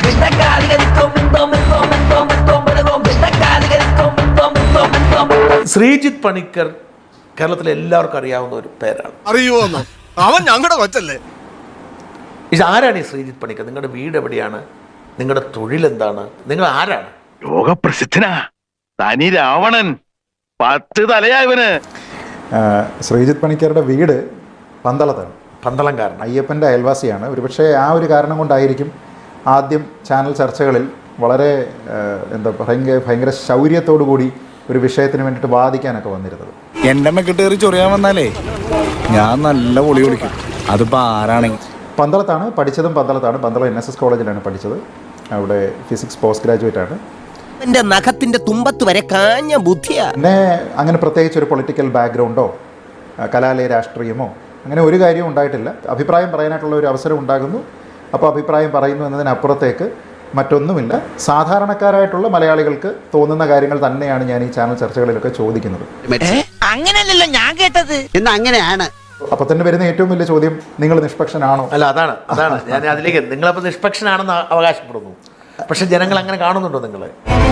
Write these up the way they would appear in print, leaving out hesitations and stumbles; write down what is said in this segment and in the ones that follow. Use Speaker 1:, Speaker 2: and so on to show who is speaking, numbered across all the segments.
Speaker 1: ശ്രീജിത്ത് പണിക്കർ കേരളത്തിലെ എല്ലാവർക്കും അറിയാവുന്ന ഒരു പേരാണ്.
Speaker 2: അറിയുമോ? അവൻ ഞങ്ങളുടെ കൊച്ചല്ലേ.
Speaker 1: ആരാണ് ഈ ശ്രീജിത്ത് പണിക്കർ? നിങ്ങളുടെ വീട് എവിടെയാണ്? നിങ്ങളുടെ തൊഴിൽ എന്താണ്? നിങ്ങൾ ആരാണ്?
Speaker 3: ലോകപ്രസിദ്ധനാ തനി രാവണൻ, 10 തലയായവന്.
Speaker 4: ശ്രീജിത്ത് പണിക്കരുടെ വീട് പന്തളത്താണ്.
Speaker 1: പന്തളംകാരൻ,
Speaker 4: അയ്യപ്പൻ്റെ അയൽവാസിയാണ്. ഒരുപക്ഷെ ആ ഒരു കാരണം കൊണ്ടായിരിക്കും ആദ്യം ചാനൽ ചർച്ചകളിൽ വളരെ ഭയങ്കര ശൗര്യത്തോടു കൂടി ഒരു വിഷയത്തിന് വേണ്ടിയിട്ട് വാദിക്കാനൊക്കെ വന്നിരുന്നത്.
Speaker 2: എന്റെ മെക്കിട്ടേറി ചൊറിയാൻ വന്നാലേ ഞാൻ നല്ല പൊളി വിളിക്കും. അതിപ്പോ ആരാണെങ്കിൽ.
Speaker 4: പന്തളത്താണ് പഠിച്ചതും. പന്തളം NSS കോളേജിലാണ് പഠിച്ചത്. അവിടെ ഫിസിക്സ് പോസ്റ്റ് ഗ്രാജുവേറ്റ് ആണ്.
Speaker 5: എന്റെ നഖത്തിന്റെ തുമ്പത്ത് വരെ കാഞ്ഞ ബുദ്ധിയാ.
Speaker 4: പിന്നെ അങ്ങനെ പ്രത്യേകിച്ച് ഒരു പൊളിറ്റിക്കൽ ബാക്ക്ഗ്രൗണ്ടോ കലാലയ രാഷ്ട്രീയമോ അങ്ങനെ ഒരു കാര്യവും ഉണ്ടായിട്ടില്ല. അഭിപ്രായം പറയാനായിട്ടുള്ള ഒരു അവസരം ഉണ്ടാകുന്നു, അപ്പോൾ അഭിപ്രായം പറയുന്നു എന്നതിനപ്പുറത്തേക്ക് മറ്റൊന്നുമില്ല. സാധാരണക്കാരായിട്ടുള്ള മലയാളികൾക്ക് തോന്നുന്ന കാര്യങ്ങൾ തന്നെയാണ് ഞാൻ ഈ ചാനൽ ചർച്ചകളിലൊക്കെ ചോദിക്കുന്നത്.
Speaker 5: അങ്ങനെയല്ലല്ലോ ഞാൻ കേട്ടത്. എന്നാ അങ്ങനെയാണ്.
Speaker 4: അപ്പോൾ തന്നെ വരുന്ന ഏറ്റവും വലിയ ചോദ്യം, നിങ്ങൾ നിഷ്പക്ഷനാണോ?
Speaker 1: അല്ല, അതാണ് ഞാൻ അതിലേക്ക്. നിങ്ങളപ്പോൾ നിഷ്പക്ഷനാണെന്ന് അവകാശപ്പെടുന്നു, പക്ഷെ ജനങ്ങൾ അങ്ങനെ കാണുന്നുണ്ടോ നിങ്ങളെ?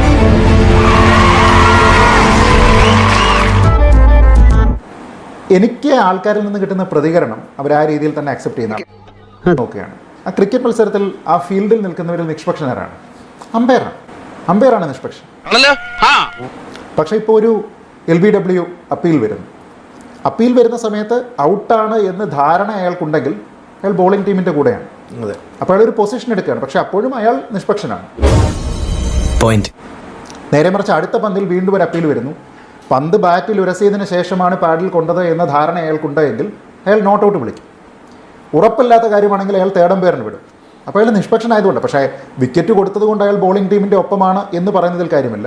Speaker 4: എനിക്ക് ആൾക്കാരിൽ നിന്ന് കിട്ടുന്ന പ്രതികരണം അവർ ആ രീതിയിൽ തന്നെ അക്സെപ്റ്റ് ചെയ്യുന്ന നോക്കുകയാണ്. ആ ക്രിക്കറ്റ് മത്സരത്തിൽ ആ ഫീൽഡിൽ നിൽക്കുന്നവരിൽ നിഷ്പക്ഷനാരാണ്? അമ്പയറാണ് നിഷ്പക്ഷൻ. പക്ഷേ ഇപ്പോൾ ഒരു LBW അപ്പീൽ വരുന്ന സമയത്ത് ഔട്ടാണ് എന്ന് ധാരണ അയാൾക്കുണ്ടെങ്കിൽ അയാൾ ബോളിംഗ് ടീമിൻ്റെ കൂടെയാണ്. അപ്പോൾ അയാൾ ഒരു പൊസിഷൻ എടുക്കുകയാണ്, പക്ഷെ അപ്പോഴും അയാൾ നിഷ്പക്ഷനാണ്. നേരെ മറിച്ച് അടുത്ത പന്തിൽ വീണ്ടും ഒരു അപ്പീൽ വരുന്നു, പന്ത് ബാറ്റിൽ ഉരസിയതിന് ശേഷമാണ് പാഡിൽ കൊണ്ടത് എന്ന ധാരണ അയാൾക്കുണ്ടെങ്കിൽ അയാൾ നോട്ട് ഔട്ട് വിളിക്കും. ഉറപ്പില്ലാത്ത കാര്യമാണെങ്കിൽ അയാൾ തേർഡ് അമ്പയറിന് വിടും. അപ്പോൾ അയാൾ നിഷ്പക്ഷനായതുകൊണ്ട്. പക്ഷേ വിക്കറ്റ് കൊടുത്തത് കൊണ്ട് അയാൾ ബോളിംഗ് ടീമിൻ്റെ ഒപ്പമാണ് എന്ന് പറയുന്നതിൽ കാര്യമില്ല.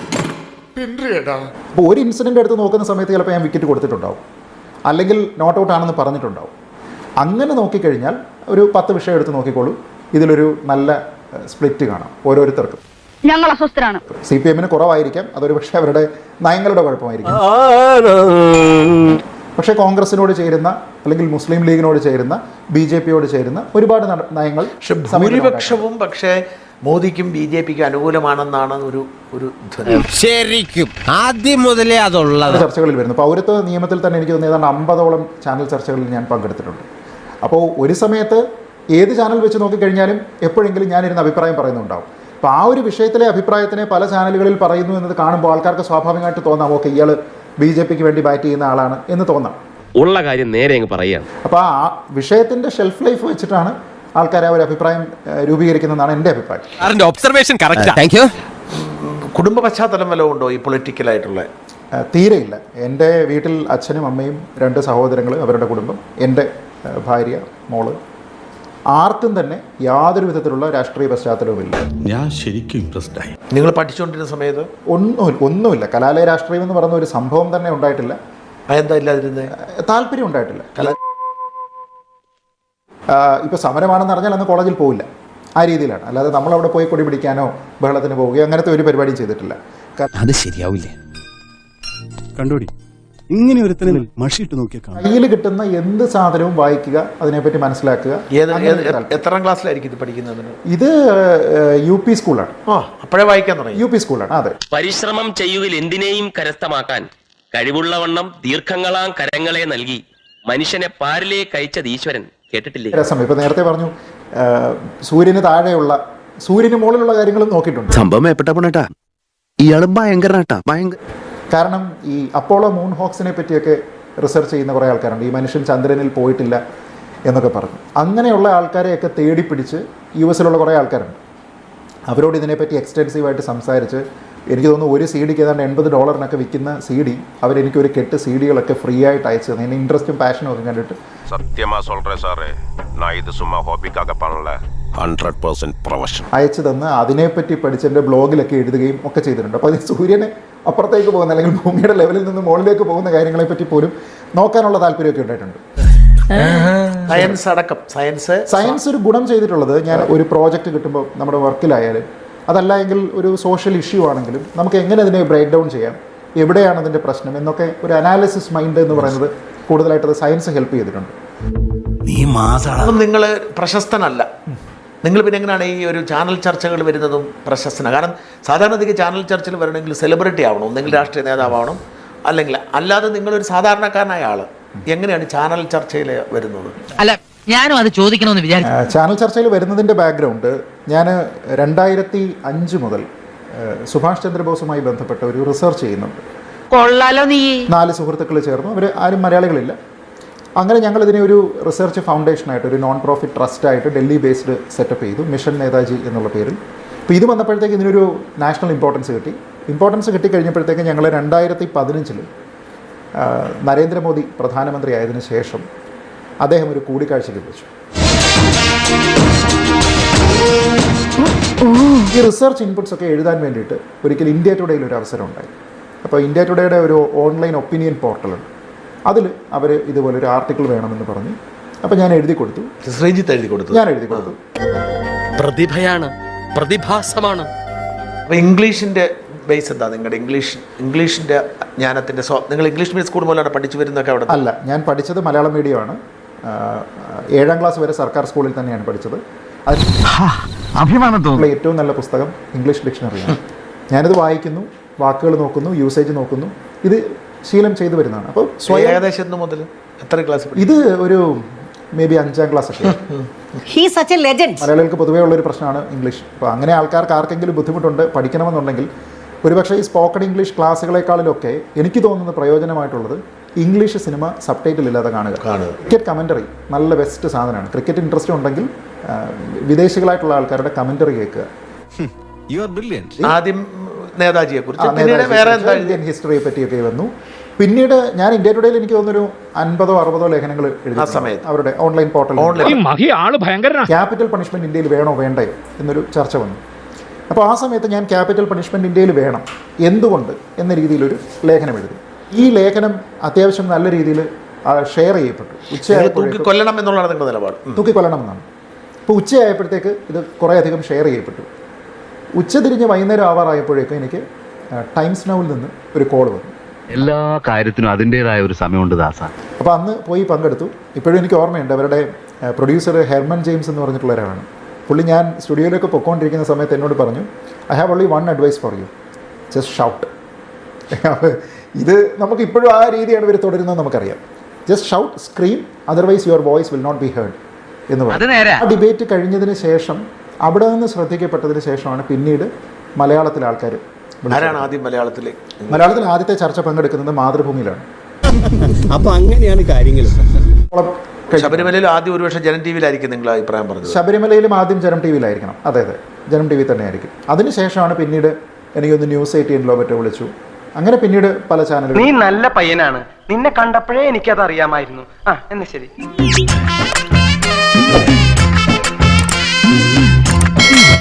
Speaker 4: അപ്പോൾ ഒരു ഇൻസിഡൻ്റ് എടുത്ത് നോക്കുന്ന സമയത്ത് ചിലപ്പോൾ ഞാൻ വിക്കറ്റ് കൊടുത്തിട്ടുണ്ടാവും, അല്ലെങ്കിൽ നോട്ട് ഔട്ട് ആണെന്ന് പറഞ്ഞിട്ടുണ്ടാവും. അങ്ങനെ നോക്കിക്കഴിഞ്ഞാൽ ഒരു 10 വിഷയം എടുത്ത് നോക്കിക്കോളൂ, ഇതിലൊരു നല്ല സ്പ്ലിറ്റ് കാണാം ഓരോരുത്തർക്കും.
Speaker 6: ഞങ്ങൾ അസ്വസ്ഥരാണ്.
Speaker 4: CPM കുറവായിരിക്കാം, അതൊരു പക്ഷേ അവരുടെ നയങ്ങളുടെ കുഴപ്പമായിരിക്കും. പക്ഷേ കോൺഗ്രസിനോട് ചേരുന്ന, അല്ലെങ്കിൽ മുസ്ലിം ലീഗിനോട് ചേരുന്ന, BJPയോട് ചേരുന്ന ഒരുപാട് നയങ്ങൾ
Speaker 1: ഭൂരിപക്ഷവും പക്ഷേ മോദിക്കും BJPക്കും അനുകൂലമാണെന്നാണ് ഒരു
Speaker 5: ശരിക്കും ആദ്യം മുതലേ അതുള്ളത്
Speaker 4: ചർച്ചകളിൽ വരുന്നു. പൗരത്വ നിയമത്തിൽ തന്നെ എനിക്ക് തോന്നുന്നു ഏതാണ്ട് 50ഓളം ചാനൽ ചർച്ചകളിൽ ഞാൻ പങ്കെടുത്തിട്ടുണ്ട്. അപ്പോൾ ഒരു സമയത്ത് ഏത് ചാനൽ വെച്ച് നോക്കിക്കഴിഞ്ഞാലും എപ്പോഴെങ്കിലും ഞാനിരുന്ന് അഭിപ്രായം പറയുന്നുണ്ടാവും. അപ്പോൾ ആ ഒരു വിഷയത്തിലെ അഭിപ്രായത്തിനെ പല ചാനലുകളിൽ പറയുന്നു എന്നത് കാണുമ്പോൾ ആൾക്കാർക്ക് സ്വാഭാവികമായിട്ട് തോന്നാം, ഓക്കെ ഇയാൾ BJPക്ക് വേണ്ടി ബാറ്റ് ചെയ്യുന്ന ആളാണ് എന്ന് തോന്നാം.
Speaker 7: ഉള്ള കാര്യം നേരെ അങ്ങ് പറയാം.
Speaker 4: അപ്പോൾ ആ വിഷയത്തിൻ്റെ ഷെൽഫ് ലൈഫ് വെച്ചിട്ടാണ് ആൾക്കാർ ആ ഒരു അഭിപ്രായം രൂപീകരിക്കുന്നതാണ് എൻ്റെ അഭിപ്രായം.
Speaker 5: Observation correct.
Speaker 1: കുടുംബ പശ്ചാത്തലം വല്ലതും ഉണ്ടോ ഈ പൊളിറ്റിക്കലായിട്ടുള്ള?
Speaker 4: തീരെയില്ല. എൻ്റെ വീട്ടിൽ അച്ഛനും അമ്മയും 2 സഹോദരങ്ങൾ, അവരുടെ കുടുംബം, എൻ്റെ ഭാര്യ, മോള്, ആർക്കും തന്നെ യാതൊരു വിധത്തിലുള്ള രാഷ്ട്രീയ പശ്ചാത്തലവുമില്ല.
Speaker 8: ഞാൻ ശരിക്കും ഇംപ്രസ്ഡ് ആയി.
Speaker 1: നിങ്ങൾ പഠിച്ചുകൊണ്ടിരുന്ന സമയത്ത്
Speaker 4: ഒന്നുമില്ല. കലാലയ രാഷ്ട്രീയം എന്ന് പറയുന്ന ഒരു സംഭവം തന്നെ ഉണ്ടായിട്ടില്ല.
Speaker 1: അതെന്താ ഇല്ലാതിരുന്നത്?
Speaker 4: താല്പര്യം ഉണ്ടായിട്ടില്ല. ഇപ്പോൾ സമരമാണെന്ന് അറിഞ്ഞാൽ അന്ന് കോളേജിൽ പോവില്ല, ആ രീതിയിലാണ്. അല്ലാതെ നമ്മളവിടെ പോയി കൊടി പിടിക്കാനോ ബഹളത്തിന് പോവുകയോ അങ്ങനത്തെ ഒരു പരിപാടിയും ചെയ്തിട്ടില്ല.
Speaker 5: അത് ശരിയാവില്ലേ?
Speaker 8: കണ്ടോടി, ഇങ്ങനെ ഒരുത്തനെ മഷിയിട്ട് നോക്കിയാൽ
Speaker 4: കയ്യിൽ കിട്ടുന്ന എന്ത് സാധനവും വായിക്കുക, അതിനെപ്പറ്റി മനസ്സിലാക്കുക.
Speaker 1: എത്രാം ക്ലാസ്സിലായിരിക്കും ഇത് പഠിക്കുന്നത്?
Speaker 4: ഇത് UP സ്കൂളാണ്.
Speaker 1: അപ്പോഴേ വായിക്കാൻ തുടങ്ങി.
Speaker 4: UP സ്കൂളാണ്. അതെ.
Speaker 7: പരിശ്രമം ചെയ്യുവിൽ എന്തിനേയും കരസ്ഥമാക്കാൻ കഴിവുള്ളവണ്ണം ദീർഘങ്ങളാം കരങ്ങളെ നൽകി മനുഷ്യനെ പാരിലേക്ക് അയച്ചത് ഈശ്വരൻ. കേട്ടിട്ടില്ലേ?
Speaker 4: രസം. ഇപ്പൊ നേരത്തെ പറഞ്ഞു സൂര്യന് താഴെയുള്ള, സൂര്യന് മുകളിലുള്ള കാര്യങ്ങളും നോക്കിയിട്ടുണ്ട്.
Speaker 3: സംഭവം ഏപ്പെട്ട ഇയാള് ഭയങ്കരനാട്ടാ, ഭയങ്കര.
Speaker 4: കാരണം ഈ അപ്പോളോ മൂൺ ഹോക്സിനെ പറ്റിയൊക്കെ റിസർച്ച് ചെയ്യുന്ന കുറേ ആൾക്കാരുണ്ട്. ഈ മനുഷ്യൻ ചന്ദ്രനിൽ പോയിട്ടില്ല എന്നൊക്കെ പറഞ്ഞു. അങ്ങനെയുള്ള ആൾക്കാരെയൊക്കെ തേടിപ്പിടിച്ച് US കുറേ ആൾക്കാരുണ്ട്. അവരോട് ഇതിനെപ്പറ്റി എക്സ്റ്റെൻസീവായിട്ട് സംസാരിച്ച്, എനിക്ക് തോന്നുന്നു ഒരു CD ഏതാണ്ട് $80 വിൽക്കുന്ന CD അവരെനിക്കൊരു കെട്ട് CD ഫ്രീ ആയിട്ട് അയച്ചു തന്നെ. എൻ്റെ ഇൻട്രസ്റ്റും പാഷനും ഒക്കെ കണ്ടിട്ട് അയച്ചു തന്ന് അതിനെപ്പറ്റി പഠിച്ച് എൻ്റെ ബ്ലോഗിലൊക്കെ എഴുതുകയും ഒക്കെ ചെയ്തിട്ടുണ്ട്. അപ്പോൾ അത് സൂര്യനെ അപ്പുറത്തേക്ക് പോകുന്ന, അല്ലെങ്കിൽ ഭൂമിയുടെ ലെവലിൽ നിന്ന് മുകളിലേക്ക് പോകുന്ന കാര്യങ്ങളെപ്പറ്റി പോലും നോക്കാനുള്ള താല്പര്യമൊക്കെ ഉണ്ടായിട്ടുണ്ട്.
Speaker 1: സയൻസ് അടക്കം സയൻസ്
Speaker 4: ഒരു ഗുണം ചെയ്തിട്ടുള്ളത്, ഞാൻ ഒരു പ്രോജക്റ്റ് കിട്ടുമ്പോൾ നമ്മുടെ വർക്കിലായാലും അതല്ല എങ്കിൽ ഒരു സോഷ്യൽ ഇഷ്യൂ ആണെങ്കിലും നമുക്ക് എങ്ങനെ അതിനെ ബ്രേക്ക് ഡൗൺ ചെയ്യാം, എവിടെയാണ് അതിൻ്റെ പ്രശ്നം എന്നൊക്കെ ഒരു അനാലിസിസ് മൈൻഡ് എന്ന് പറയുന്നത് കൂടുതലായിട്ട് സയൻസ് ഹെൽപ്പ് ചെയ്തിട്ടുണ്ട്.
Speaker 1: നിങ്ങൾ പ്രശസ്തനല്ല, നിങ്ങൾ പിന്നെ എങ്ങനെയാണ് ഈ ഒരു ചാനൽ ചർച്ചകൾ വരുന്നതും പ്രശസ്തനാണ്? കാരണം സാധാരണഗതിക്ക് ചാനൽ ചർച്ചയിൽ വരണമെങ്കിൽ സെലിബ്രിറ്റി ആവണം, ഒന്നെങ്കിൽ രാഷ്ട്രീയ നേതാവാവണം, അല്ലെങ്കിൽ അല്ലാതെ നിങ്ങളൊരു സാധാരണക്കാരനായ ആൾ എങ്ങനെയാണ് ചാനൽ ചർച്ചയിൽ വരുന്നത്?
Speaker 6: അല്ല, ഞാനും അത് ചോദിക്കണമെന്ന് വിചാരിച്ചു.
Speaker 4: ചാനൽ ചർച്ചയിൽ വരുന്നതിൻ്റെ ബാക്ക്ഗ്രൗണ്ട്, ഞാൻ 2005 മുതൽ സുഭാഷ് ചന്ദ്രബോസുമായി ബന്ധപ്പെട്ട ഒരു റിസർച്ച് ചെയ്യുന്നുണ്ട്.
Speaker 6: കൊള്ളാലോ നീ.
Speaker 4: 4 സുഹൃത്തുക്കൾ ചേർന്നു, അവർ ആരും മലയാളികളില്ല. അങ്ങനെ ഞങ്ങൾ ഇതിനെ ഒരു റിസർച്ച് ഫൗണ്ടേഷനായിട്ട്, ഒരു നോൺ പ്രോഫിറ്റ് ട്രസ്റ്റായിട്ട് ഡൽഹി ബേസ്ഡ് സെറ്റപ്പ് ചെയ്തു, മിഷൻ നേതാജി എന്നുള്ള പേരിൽ. അപ്പോൾ ഇത് വന്നപ്പോഴത്തേക്ക് ഇതിനൊരു നാഷണൽ ഇമ്പോർട്ടൻസ് കിട്ടിക്കഴിഞ്ഞപ്പോഴത്തേക്ക് ഞങ്ങൾ 2015 നരേന്ദ്രമോദി പ്രധാനമന്ത്രി ആയതിനു ശേഷം അദ്ദേഹം ഒരു കൂടിക്കാഴ്ചയ്ക്ക് വിളിച്ചു. ഈ റിസർച്ച് ഇൻപുട്സ് ഒക്കെ എഴുതാൻ വേണ്ടിയിട്ട് ഒരിക്കൽ ഇന്ത്യ ടുഡേയിൽ ഒരു അവസരം ഉണ്ടായി. അപ്പോൾ ഇന്ത്യ ടുഡേയുടെ ഒരു ഓൺലൈൻ ഒപ്പീനിയൻ പോർട്ടലുണ്ട്, അതിൽ അവർ ഇതുപോലൊരു ആർട്ടിക്കിൾ വേണമെന്ന് പറഞ്ഞു. അപ്പോൾ ഞാൻ എഴുതി കൊടുത്തു.
Speaker 1: ശ്രീജിത്ത് എഴുതി കൊടുത്തു? ഞാൻ എഴുതി കൊടുത്തു.
Speaker 5: പ്രതിഭയാണ്, പ്രതിഭാസമാണ്.
Speaker 1: അപ്പോൾ ഇംഗ്ലീഷിൻ്റെ ബേസ് എന്താ? നിങ്ങളുടെ ഇംഗ്ലീഷിൻ്റെ ജ്ഞാനത്തിൻ്റെ നിങ്ങൾ ഇംഗ്ലീഷ് മീഡിയം സ്കൂൾ മുതലാണ് പഠിച്ചു വരുന്നതൊക്കെ അവിടെ?
Speaker 4: അല്ല, ഞാൻ പഠിച്ചത് മലയാളം മീഡിയമാണ്. 7ാം ക്ലാസ് വരെ സർക്കാർ സ്കൂളിൽ തന്നെയാണ് പഠിച്ചത്.
Speaker 2: അഭിമാനം തോന്നുന്നു.
Speaker 4: ഏറ്റവും നല്ല പുസ്തകം ഇംഗ്ലീഷ് ഡിക്ഷണറിയാണ്. ഞാനിത് വായിക്കുന്നു, വാക്കുകൾ നോക്കുന്നു, യൂസേജ് നോക്കുന്നു, ഇത് ശീലം ചെയ്തു വരുന്നതാണ്. അപ്പോൾ
Speaker 1: ഏകദേശം മുതൽ എത്ര ക്ലാസ്? ഇത്
Speaker 4: ഒരു മേ ബി 5ാം ക്ലാസ് ഒക്കെ. മലയാളികൾക്ക് പൊതുവേ ഉള്ളൊരു പ്രശ്നമാണ് ഇംഗ്ലീഷ്. അപ്പോൾ അങ്ങനെ ആൾക്കാർക്ക് ആർക്കെങ്കിലും ബുദ്ധിമുട്ടുണ്ട് പഠിക്കണമെന്നുണ്ടെങ്കിൽ ഒരുപക്ഷെ ഈ സ്പോക്കൺ ഇംഗ്ലീഷ് ക്ലാസ്സുകളെക്കാളിലൊക്കെ എനിക്ക് തോന്നുന്നത് പ്രയോജനമായിട്ടുള്ളത് ഇംഗ്ലീഷ് സിനിമ സബ് ടൈറ്റിൽ ഇല്ലാതെ കാണുക. ക്രിക്കറ്റ് കമൻ്ററി നല്ല ബെസ്റ്റ് സാധനമാണ്. ക്രിക്കറ്റ് ഇൻട്രസ്റ്റ് ഉണ്ടെങ്കിൽ വിദേശികളായിട്ടുള്ള ആൾക്കാരുടെ കമൻ്ററി കേൾക്കുക.
Speaker 1: ആദ്യം നേതാജിയെ കുറിച്ച്,
Speaker 4: ഇന്ത്യൻ ഹിസ്റ്ററിയെ പറ്റിയൊക്കെ വന്നു. പിന്നീട് ഞാൻ ഇന്ത്യ ടുഡേയിൽ എനിക്ക് തോന്നുന്നൊരു 50-60 ലേഖനങ്ങൾ എഴുതി സമയത്ത് അവരുടെ ഓൺലൈൻ പോർട്ടൽ. ക്യാപിറ്റൽ പണിഷ്മെന്റ് ഇന്ത്യയിൽ വേണോ വേണ്ടയോ എന്നൊരു ചർച്ച വന്നു. അപ്പോൾ ആ സമയത്ത് ഞാൻ ക്യാപിറ്റൽ പണിഷ്മെന്റ് ഇന്ത്യയിൽ വേണം, എന്തുകൊണ്ട് എന്ന രീതിയിലൊരു ലേഖനം എഴുതി. ഈ ലേഖനം അത്യാവശ്യം നല്ല രീതിയിൽ ഷെയർ ചെയ്യപ്പെട്ടു.
Speaker 1: തൂക്കിക്കൊല്ലണം എന്നുള്ളതാണ് നിങ്ങളുടെ നിലപാട്?
Speaker 4: തൂക്കിക്കൊല്ലണം എന്നാണ്. ഇപ്പോൾ ഉച്ചയായപ്പോഴത്തേക്ക് ഇത് കുറേ അധികം ഷെയർ ചെയ്യപ്പെട്ടു. ഉച്ചതിരിഞ്ഞ് വൈകുന്നേരം ആവാറായപ്പോഴേക്കും എനിക്ക് ടൈംസ് നൗവിൽ നിന്ന് ഒരു കോൾ വന്നു.
Speaker 3: എല്ലാ കാര്യത്തിനും അതിൻ്റെതായ ഒരു സമയമുണ്ട് ദാസ.
Speaker 4: അപ്പോൾ അന്ന് പോയി പങ്കെടുത്തു. ഇപ്പോഴും എനിക്ക് ഓർമ്മയുണ്ട്, അവരുടെ പ്രൊഡ്യൂസർ ഹെർമൻ ജെയിംസ് എന്ന് പറഞ്ഞിട്ടുള്ള ഒരാളാണ്. പുള്ളി ഞാൻ സ്റ്റുഡിയോയിലേക്ക് പൊയ്ക്കൊണ്ടിരിക്കുന്ന സമയത്ത് എന്നോട് പറഞ്ഞു, I have only one advice for you, just shout. ഇത് നമുക്ക് ഇപ്പോഴും ആ രീതിയാണ് ഇവർ തുടരുന്നത് നമുക്കറിയാം. Just shout, scream, otherwise your voice will not be heard എന്ന് പറഞ്ഞു. ആ ഡിബേറ്റ് കഴിഞ്ഞതിന് ശേഷം, അവിടെ നിന്ന് ശ്രദ്ധിക്കപ്പെട്ടതിന് ശേഷമാണ് പിന്നീട് മലയാളത്തിലെ ആൾക്കാർ. മലയാളത്തിൽ ആദ്യത്തെ ചർച്ച പങ്കെടുക്കുന്നത് മാതൃഭൂമിയിലാണ്.
Speaker 8: അപ്പൊ അങ്ങനെയാണ് കാര്യങ്ങൾ.
Speaker 1: ശബരിമലയിൽ ആദ്യം ഒരുപക്ഷെ ജനം ടി വിയിലായിരിക്കും നിങ്ങൾ അഭിപ്രായം പറഞ്ഞത്?
Speaker 4: ശബരിമലയിലും ആദ്യം ജനം ടി വിയിലായിരിക്കണം. അതെ, ജനം ടി വി തന്നെയായിരിക്കും. അതിനുശേഷമാണ് പിന്നീട് എനിക്കൊന്ന് ന്യൂസ് 18 മറ്റോ വിളിച്ചു. അങ്ങനെ പിന്നീട് പല ചാനലുകൾ.
Speaker 6: നീ നല്ല പയ്യനാണ്, നിന്നെ കണ്ടപ്പോഴേ എനിക്കത് അറിയാമായിരുന്നു. എന്ന് ശരി.